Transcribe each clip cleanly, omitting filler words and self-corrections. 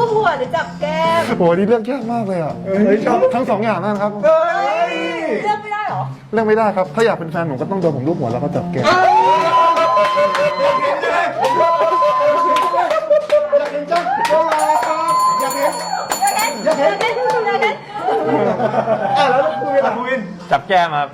คู่หัวหรือจับแก้มโหนี่เลือกยากมากเลยอ่ะทั้งสองอย่างนั่นครับเลือกไม่ได้เหรอเลือกไม่ได้ครับถ้าอยากเป็นแฟนหนูก็ต้องโดนผมรูปหัวแล้วก็จับแก้มแล้วคุณเป็นคุณวินจับแก้มครับ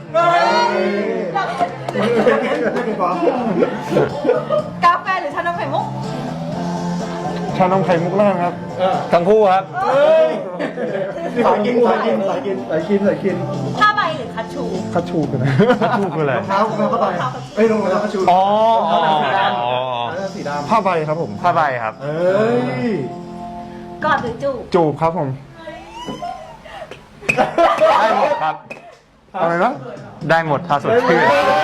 กาแฟหรือชานมไข่มุกชานมไข่มุกแล้วกันครับทั้งคู่ครับสายกินสายกินสายกินสายกินสายกินผ้าใบหรือคัชชูคัชชูกันนะทั้งคู่คืออะไรเท้าเข้าไปเอ้ยลงมาแล้วก็ชูอ๋อสีดำผ้าใบครับผมผ้าใบครับเอ้ยกอดหรือจูบจูบครับผมได้หมดครับอะไรนะได้หมดถ้าสดชื่น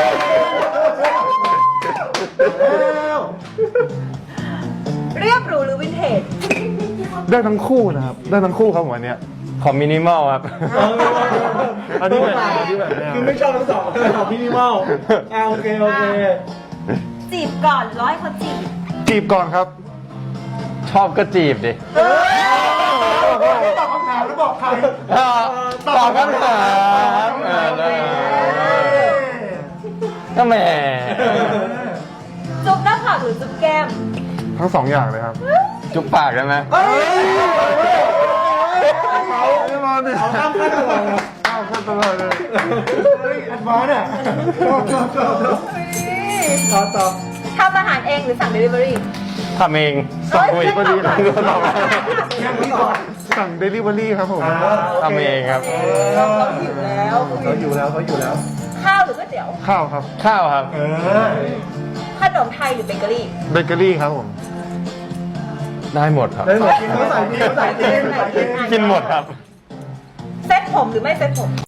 เรียบหรูหรือวินเทจได้ทั้งคู่นะครับได้ทั้งคู่ครับผมอันเนี้ยขอมินิมอลครับอันนี้แบบอันนี้แบบแนวคือไม่ชอบทั้งสองชอบมินิมอลโอเคโอเคจีบก่อนหรือร้อยเขาจีบจีบก่อนครับชอบก็จีบดิตอบคำถามแล้วบอกใครตอบคำถามก็แหมจุ๊บหน้าผากหรือจุ๊บแก้มทั้งสองอย่างเลยครับจุ๊บปากได้ไหมไม่มาดิเอาข้ามขั้นตลอดเลยข้ามขั้นตลอดเลยเฮ้ยแอดวานซ์อ่ะชอบต่อทำอาหารเองหรือสั่งเดลิเวอรี่ทำเองสั่งเดลิเวอรี่ตอบยังไม่ต่อสั่งเดลิเวอรี่ครับผมทำเองครับเขาหิวแล้วเขาอยู่แล้วเขาอยู่แล้วข้าวหรือก๋วยเตี๋ยวข้าวครับข้าวครับขนมไทยหรือเบเกอรี่เบเกอรี่ครับผมได้หมดครับได้หมดกินเขาใส่กินเขาใส่กินกินหมดครับเซ็ตผมหรือไม่เซ็ตผม